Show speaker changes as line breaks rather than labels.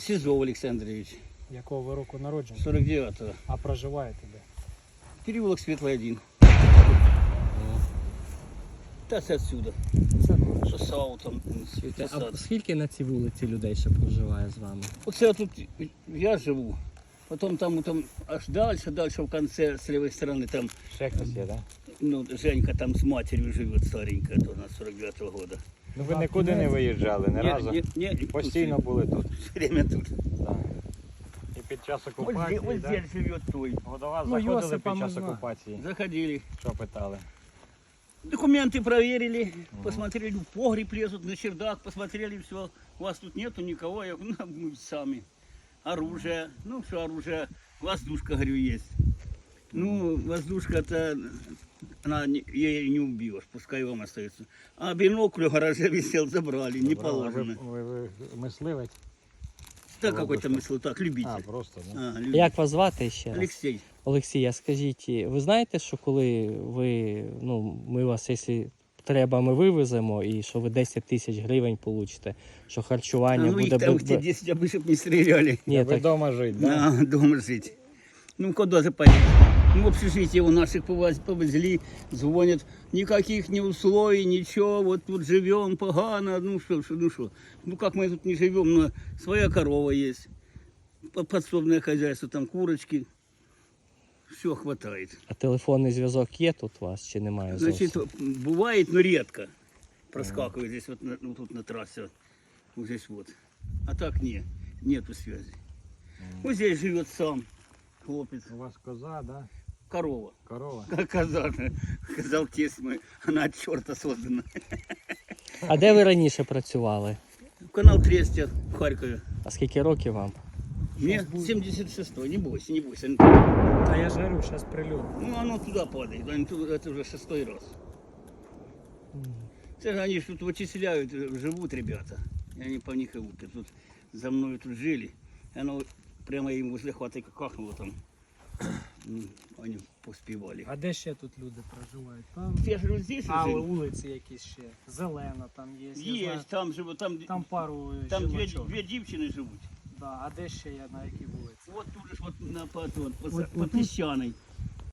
Сизов Олександрович,
Якого ви року народження?
49-го.
А проживаєте де?
Переулок Светлый 1. Та це отсюда.
Це ну,
Що САУ там,
А
посад.
скільки на цій вулиці людей ще проживає з вами?
Оце тут я живу. Потом там аж дальше в конце, с левой стороны, там,
Ще хтось є, так?
ну, Женька там с матерью живет, старенькая, то на 49-го года.
Ну ви нікуди не виїжджали, ні разу?
Не,
Постійно були тут.
все время тут.
Так. І під час
Вот
окупації,
здесь
так?
живет той.
До вас
Ну,
заходили
Йосипа
під час
можна.
окупації?
Заходили.
Що питали?
Документы проверили, посмотрели, в погреб лезут, на чердак, посмотрели, все, у вас тут нету никого, я говорю, ну, мы сами. Оружие, ну все оружие, воздушка, говорю, есть. Ну, воздушка-то, ей не убьешь, пускай вам остается. А бинокль в гараже висел, забрали, не положено.
Ви мисливець?
Так какой-то мысл, так,
А,
любитель.
просто, да?
А, любитель.
Як вас звати ще раз?
Алексей.
Олексій, а скажіть, ви знаєте, що коли ви, ми вас, якщо треба, ми вивеземо, і що ви 10 тисяч гривень получите, що харчування
Ну, их
буде...
там те 10, а чтобы не стреляли.
Ні,
Ви
так,
вдома жити, так?
Да, дома жить. Ну, куда же поедем? Ну, в общежитие у наших повезли, звонят, никаких ни условий, ничего, вот тут живем погано, ну что. Ну, как мы тут не живем, но своя корова есть, подсобное хозяйство, там курочки, все хватает.
а телефонний зв'язок є тут у вас, чи немає зовсім?
Значит, бывает, но редко проскакивает здесь вот, ну, тут на трассе, вот здесь вот. А так нету связи. Вот здесь живет сам хлопец,
У вас коза, да?
корова.
Корова?
Казан, сказал тесть мой, она от черта создана.
А де ви раніше працювали?
Канал Трестя в Харькове.
А скільки років вам?
Мне 76-й, не бойся.
Та я ж говорю, зараз прильот.
Ну, оно туда падает, это уже 6-й раз. Это же они ж тут вычисляют, живут ребята. И они по них и лупят. Тут за мной тут жили. И оно прямо им возле хватки кахнуло там. Ну, они поспевали.
А де ще тут люди проживають? Там,
Я же вот здесь
але
жил.
вулиці якісь ще. Зелена там є. я знаю.
Есть, там живут,
Там пару
там
жіночок.
две девчины живут.
Да, а де ще є, на якій вулиці?
Вот тут же ж вот на по
Вот
Песчаной.